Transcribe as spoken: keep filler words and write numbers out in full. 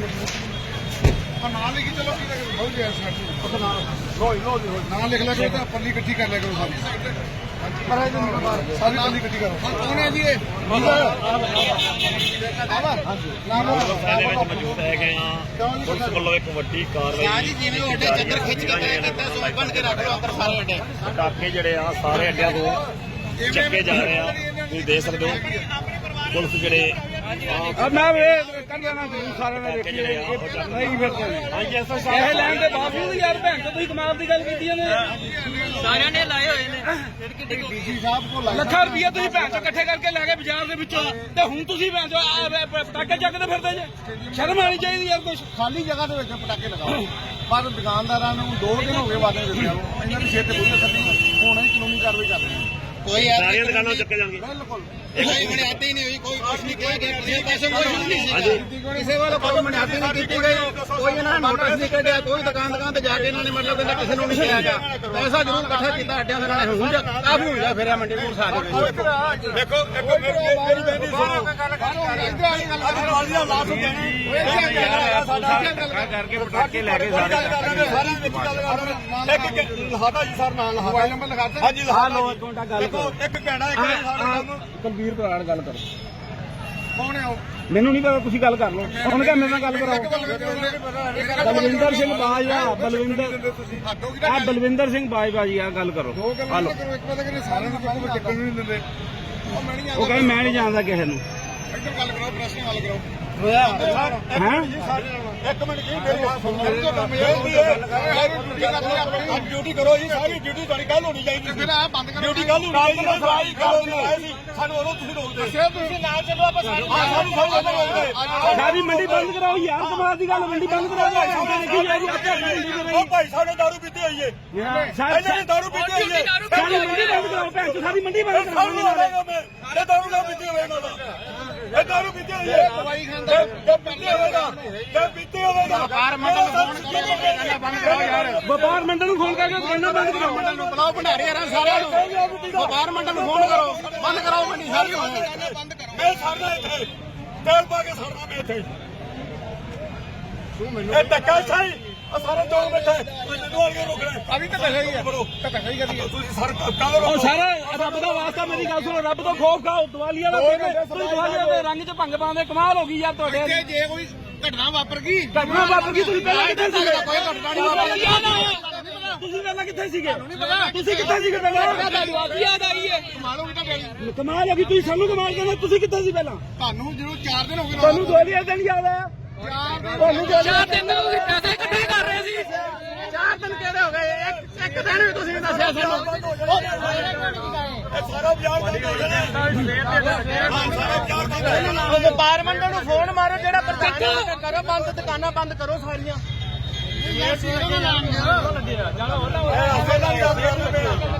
ਨਾਲ ਲਿਖੀ ਚਲੋ ਕੀ ਲੱਗੇ ਬਹੁਤ ਗਿਆ ਸਾਡੀ ਲੋ ਲੋ ਨਾਲ ਲਿਖ ਲੈ ਕਰੋ ਤਾਂ ਪੱਲੀ ਇਕੱਠੀ ਕਰ ਲਿਆ ਕਰੋ ਸਾਰੀ ਸਾਰੀ ਪੱਲੀ ਇਕੱਠੀ ਕਰੋ ਕੌਣ ਹੈ ਜੀ ਇਹ ਦੇ ਵਿੱਚ ਮੌਜੂਦ ਹੈਗੇ ਆ ਪੁਲਿਸ ਵੱਲੋਂ ਇੱਕ ਵੱਡੀ ਕਾਰਵਾਈ ਜੀ ਜਿਵੇਂ ਉਹ ਅੱਡੇ ਚੱਦਰ ਖਿੱਚ ਕੇ ਗਏ ਕਰਦਾ ਸੋ ਬੰਦ ਕੇ ਰੱਖ ਲਓ ਅੰਦਰ ਸਾਰੇ ਅੱਡੇ ਪਟਾਕੇ ਜਿਹੜੇ ਆ ਸਾਰੇ ਅੱਡਿਆਂ ਤੋਂ ਚੱਕੇ ਜਾ ਰਹੇ ਆ ਤੁਸੀਂ ਦੇਖ ਸਕਦੇ ਹੋ ਪੁਲਿਸ ਜਿਹੜੇ ਮੈਂ ਕਰ ਲੈਣਾ ਜ਼ਰੂਰ ਸਾਰਿਆਂ ਨੇ ਦੇਖੀ ਨਹੀਂ ਫਿਰ ਇਹ ਲੈਣ ਦੇ ਬਾਵਜੂਦ ਯਾਰ ਭੈਣ ਤੋਂ ਤੁਸੀਂ ਕਮਾਲ ਦੀ ਗੱਲ ਕੀਤੀ ਨੇ ਸਾਰਿਆਂ ਨੇ ਲਾਏ ਹੋਏ ਨੇ ਡੀਸੀ ਸਾਹਿਬ ਕੋਲ ਲੱਖਾਂ ਰੁਪਈਆ ਤੁਸੀਂ ਭੈਣ ਤੋਂ ਇਕੱਠੇ ਕਰਕੇ ਲੈ ਗਏ ਬਾਜ਼ਾਰ ਦੇ ਵਿੱਚੋਂ ਤੇ ਹੁਣ ਤੁਸੀਂ ਭੈਣ ਚੋ ਪਟਾਕੇ ਚੱਕਦੇ ਫਿਰਦੇ ਜੇ ਸ਼ਰਮ ਆਣੀ ਚਾਹੀਦੀ ਯਾਰ ਕੁਛ ਖਾਲੀ ਜਗ੍ਹਾ ਦੇ ਵਿੱਚ ਪਟਾਕੇ ਲਗਾਓ ਪਰ ਦੁਕਾਨਦਾਰਾਂ ਨੂੰ ਦੋ ਦਿਨ ਹੋ ਗਏ ਵਾਅਦੇ ਦਿੱਤੇ ਆ ਇਹਨਾਂ ਦੀ ਸਿਰ ਤੇ ਬੁੱਝੇ ਸੱਦੀ ਹੁਣ ਹੀ ਕਾਨੂੰਨੀ ਕਾਰਵਾਈ ਕਰ ਰਹੇ ਆ ਕੋਈ ਸਾਰੀਆਂ ਦੁਕਾਨਾਂ ਚੱਕੇ ਜਾਣਗੇ ਬਿਲਕੁਲ ਕੋਈ ਮਨਿਆਦੀ ਹੀ ਨਹੀਂ ਹੋਈ ਕੋਈ ਕੁਛ ਨਹੀਂ ਕਿਹਾ ਗਿਆ ਕਿਸੇ ਪਾਸੇ ਕੋਈ ਨਹੀਂ ਸੀ ਕਿਸੇ ਵੱਲੋਂ ਕੋਈ ਮਨਿਆਦੀ ਨਹੀਂ ਕੀਤੀ ਗਈ ਕੋਈ ਇਹਨਾਂ ਨੇ ਨੋਟਿਸ ਨਹੀਂ ਕੱਢਿਆ ਕੋਈ ਦੁਕਾਨ ਦੁਕਾਨ ਤੇ ਜਾ ਕੇ ਇਹਨਾਂ ਨੇ ਮਤਲਬ ਕਹਿੰਦਾ ਕਿਸੇ ਨੂੰ ਨਹੀਂ ਕਿਹਾ ਗਿਆ ਪੈਸਾ ਜ਼ਰੂਰ ਇਕੱਠਾ ਕੀਤਾ ਅੱਡਿਆਂ ਦੇ ਨਾਲ ਹੁਣ ਕਾਫੀ ਹੋ ਗਿਆ ਫਿਰਿਆ ਮੰਡੀ ਨੂੰ ਸਾਰੇ ਦੇਖੋ ਇੱਕ ਮੇਰੀ ਬੇਨਤੀ ਸੁਣੋ ਕਰਕੇ ਪਟਾਕੇ ਲੈ ਕੇ ਸਾਰੇ ਲਹਾਤਾ ਜੀ ਸਰ ਨਾਲ ਮੋਬਾਈਲ ਨੰਬਰ ਲਗਾਤਾ ਹਾਂਜੀ ਲਹਾ ਲਓ ਇੱਕ ਮਿੰਟ ਗੱਲ ਕਰੋ ਇੱਕ ਕਹਿਣਾ ਇੱਕ ਸਾਡੇ ਕਲਬੀਰ ਬਰਾੜ ਗੱਲ ਕਰੋ ਕੌਣ ਹੈ ਉਹ ਮੈਨੂੰ ਨਹੀਂ ਪਤਾ ਤੁਸੀਂ ਗੱਲ ਕਰ ਲਓ ਹੁਣ ਕਿਹਾ ਮੇਰੇ ਨਾਲ ਗੱਲ ਕਰਾਓ ਬਲਵਿੰਦਰ ਸਿੰਘ ਬਾਜਵਾ ਬਲਵਿੰਦਰ ਆ ਬਲਵਿੰਦਰ ਸਿੰਘ ਬਾਜਵਾ ਜੀ ਆ ਗੱਲ ਕਰੋ ਦੋ ਗੱਲਾਂ ਕਰੋ ਇੱਕ ਪਤਾ ਕਿ ਸਾਰਿਆਂ ਨੂੰ ਕਿਉਂ ਚੱਕਣ ਨਹੀਂ ਦਿੰਦੇ ਉਹ ਮੈਂ ਨਹੀਂ ਉਹ ਕਹਿੰਦੇ ਮੈਂ ਨਹੀਂ ਜਾਣਦਾ ਕਿਸੇ ਨੂੰ ਇੱਧਰ ਗੱਲ ਕਰੋ ਪ੍ਰੈਸ ਨਾਲ ਗੱਲ ਕਰੋ ਹੈਂ ਇੱਕ ਮਿੰਟ ਕੀ ਮੇਰੀ ਗੱਲ ਸੁਣੋ ਡਿਊਟੀ ਕਰੋ ਜੀ ਸਾਰੀ ਡਿਊਟੀ ਤੁਹਾਡੀ ਕੱਲ ਹੋਣੀ ਚਾਹੀਦੀ ਫਿਰ ਆ ਬੰਦ ਕਰੋ ਡਿਊਟੀ ਕੱਲ ਹੋਣੀ ਚਾਹੀਦੀ ਸਾਰੀ ਸਾਨੂੰ ਉਦੋਂ ਤੁਸੀਂ ਰੋਕਦੇ ਤੁਸੀਂ ਨਾਲ ਚੱਲੋ ਆਪਾਂ ਸਾਨੂੰ ਸਾਨੂੰ ਰੋਕਦੇ ਸਾਡੀ ਮੰਡੀ ਬੰਦ ਕਰਾਓ ਯਾਰ ਕਮਾਲ ਦੀ ਗੱਲ ਮੰਡੀ ਬੰਦ ਕਰਾਓ ਦੇਖੀ ਜਾਏਗੀ ਉਹ ਭਾਈ ਸਾਡੇ ਦਾਰੂ ਪੀਤੀ ਹੋਈ ਏ ਇਹਨਾਂ ਨੇ ਦਾਰੂ ਪੀਤੀ ਹੋਈ ਏ ਸਾਡੀ ਮੰਡੀ ਬੰਦ ਕਰਾਓ ਭੈਣ ਚੋ ਸਾਡੀ ਮੰਡੀ ਬੰਦ ਕਰਾਓ ਇਹ ਦਾਰੂ ਨਾ ਪੀਤੀ ਹੋਵੇ ਇਹਨਾਂ ਦਾ ਇਹ ਦਾਰੂ ਪੀਤੀ ਹੋਈ ਏ ਦਵਾਈ ਖਾਂਦਾ ਜੇ ਪੀਤੀ ਹੋਵੇਗਾ ਜੇ ਪੀਤੀ ਹੋਵੇਗਾ ਵਪਾਰ ਮੰਡਲ ਨੂੰ ਫੋਨ ਕਰੋ ਬੰਦ ਕਰੋ ਯਾਰ ਵਪਾਰ ਮੰਡਲ ਨੂੰ ਫੋਨ ਕਰਕੇ ਦੁਕਾਨਾਂ ਬੰਦ ਕਰਾਓ ਮੰਡਲ ਨੂੰ ਬੁਲਾਓ ਭੰਡਾਰੀ ਯਾਰਾਂ ਸਾਰਿਆਂ ਨੂੰ ਵਪਾਰ ਮੰਡਲ ਨੂੰ ਫੋਨ ਕਰੋ ਬੰਦ ਕਰਾਓ ਮੰਡੀ ਸਾਰੀ ਬੰਦ ਕਰੋ ਮੈਂ ਸਰਦਾ ਇੱਥੇ ਤੇਲ ਪਾ ਕੇ ਸਰਦਾ ਮੈਂ ਇੱਥੇ ਤੂੰ ਮੈਨੂੰ ਇਹ ਧੱਕਾ ਸਹੀ ਆ ਸਾਰੇ ਦੋ ਬੈਠੇ ਮੈਨੂੰ ਆ ਕੇ ਰੋਕਣਾ ਅਭੀ ਤਾਂ ਧੱਕਾ ਹੀ ਹੈ ਧੱਕਾ ਹੀ ਕਰੀਏ ਤੁਸੀਂ ਸਰ ਕੱਲ ਉਹ ਸਾਰਾ ਰੱਬ ਦਾ ਵਾਸਤਾ ਮੇਰੀ ਗੱਲ ਸੁਣੋ ਰੱਬ ਤੋਂ ਖੋਫ ਖਾਓ ਦੀਵਾਲੀਆ ਦਾ ਦਿਨ ਤੁਸੀਂ ਦੀਵਾਲੀਆ ਦੇ ਰੰਗ 'ਚ ਭੰਗ ਪਾਉਂਦੇ ਕਮਾਲ ਹੋ ਗਈ ਯਾਰ ਤੁਹਾਡੇ ਜੇ ਕੋਈ ਘਟਨਾ ਵਾਪਰ ਗਈ ਘਟਨਾ ਵਾਪਰ ਗਈ ਤੁਸੀਂ ਪਹਿਲਾਂ ਕਿੱਥੇ ਸੀਗੇ ਕੋਈ ਘਟਨਾ ਨਹੀਂ ਵਾਪਰੀ ਤੁਸੀਂ ਪਹਿਲਾਂ ਕਿੱਥੇ ਸੀਗੇ ਤੁਸੀਂ ਕਿੱਥੇ ਸੀਗੇ ਪਹਿਲਾਂ ਯਾਦ ਆਈ ਹੈ ਕਮਾਲ ਹੋ ਗਈ ਤਾਂ ਡੈਡੀ ਕਮਾਲ ਹੋ ਗਈ ਤੁਸੀਂ ਸਾਨੂੰ ਕਮਾਲ ਕਹਿੰਦੇ ਤੁਸੀਂ ਕਿੱਥੇ ਸੀ ਪਹਿਲਾਂ ਤੁਹਾਨੂੰ ਜਦੋਂ ਚਾਰ ਦਿਨ ਹੋ ਗਏ ਤੁਹਾਨੂੰ ਦੀਵਾਲੀਆ ਦਿਨ ਯਾਦ ਆਇਆ ਤੁਹਾਨੂੰ ਚਾਰ ਦਿਨ ਦੇ ਤੁਸੀਂ ਪੈਸੇ ਇਕੱਠੇ ਕਰ ਰਹੇ ਸੀ ਚਾਰ ਦਿਨ ਕਿਹੜੇ ਹੋ ਗਏ ਇੱਕ ਇੱਕ ਦਿਨ ਵੀ ਤੁਸੀਂ ਨਹੀਂ ਦੱਸਿਆ ਸਾਨੂੰ ਇਹ ਸਾਰਾ ਬਾਜ਼ਾਰ ਬੰਦ ਹੋ ਜਾਣਾ ਸਾਰਾ ਬਾਜ਼ਾਰ ਬੰਦ ਹੋ ਜਾਣਾ ਵਪਾਰ ਮੰਡਲ ਨੂੰ ਫੋਨ ਮਾਰੋ ਜਿਹੜਾ ਪ੍ਰਧਾਨ ਕਰੋ ਬੰਦ ਦੁਕਾਨਾਂ ਬੰਦ ਕਰੋ ਸਾਰੀਆਂ ਇਹ ਅਸਲ ਨਾਲ ਯਾਦ ਕਰਦੇ